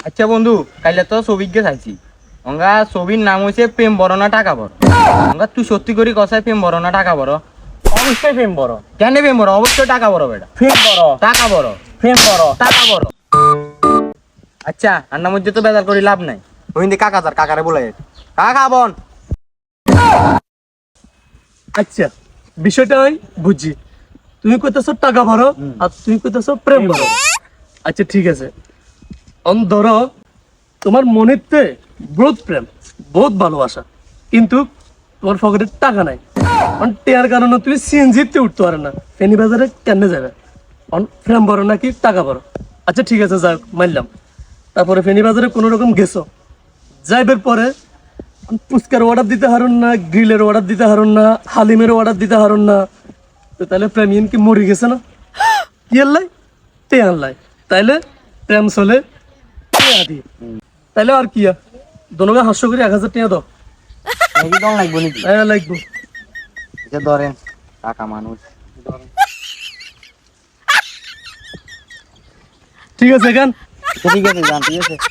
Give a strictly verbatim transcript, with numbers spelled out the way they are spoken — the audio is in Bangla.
আচ্ছা বন্ধু, কাইলে তো ছবিকে চাইছি। অঙ্গা ছবির নাম হইছে প্রেম বড় না টাকা বড়। অঙ্গা তুই সত্যি করি কসাই প্রেম বড় না টাকা বড়? অবশ্যই প্রেম বড়। কেন প্রেম বড়? অবশ্যই টাকা বড় বেটা। প্রেম বড়। টাকা বড়। প্রেম বড়। টাকা বড়। আচ্ছা আন্নার মধ্যে তো বেজার করি লাভ নাই। ওইন্দি কাকা তার কাকারে বলে কাকা বোন। আচ্ছা বিষয়টা আমি বুঝছি, তুমি কইতেছো টাকা ভরো আর তুমি কইতেছো প্রেম ভরো। আচ্ছা ঠিক আছে, অন ধরো তোমার মনেতে বহুত প্রেম, বহুত ভালোবাসা, কিন্তু তোমার পকেটে টাকা নাই। অন টেয়ার কারণে তুমি সিএনজিতে উঠতে পারে না, ফেনি বাজারে কেন যাবে? অন প্রেম ভরো নাকি টাকা ভরো? আচ্ছা ঠিক আছে, যাক মানলাম। তারপরে ফেনি বাজারে কোনো রকম গেছো, যাইবার পরে পুস্কার অর্ডার দিতে হারুন না, গ্রিলের অর্ডার দিতে হারুন না, হালিমের অর্ডার দিতে হারুন না, তো তাহলে প্রেমিয়ান কি মরে গেছে না? কি আনলাই তে আনলাই, তাইলে প্রেম চলে টেয়া দিয়ে। তাইলে আর কি দোনোকে হাস্য করে এক হাজার টাকা দাও। নাকি দল লাগবো নাকি? হ্যাঁ লাগবো। এটা ধরেন, টাকা মানুষ। ঠিক আছে গান। ঠিক আছে, যান, ঠিক আছে।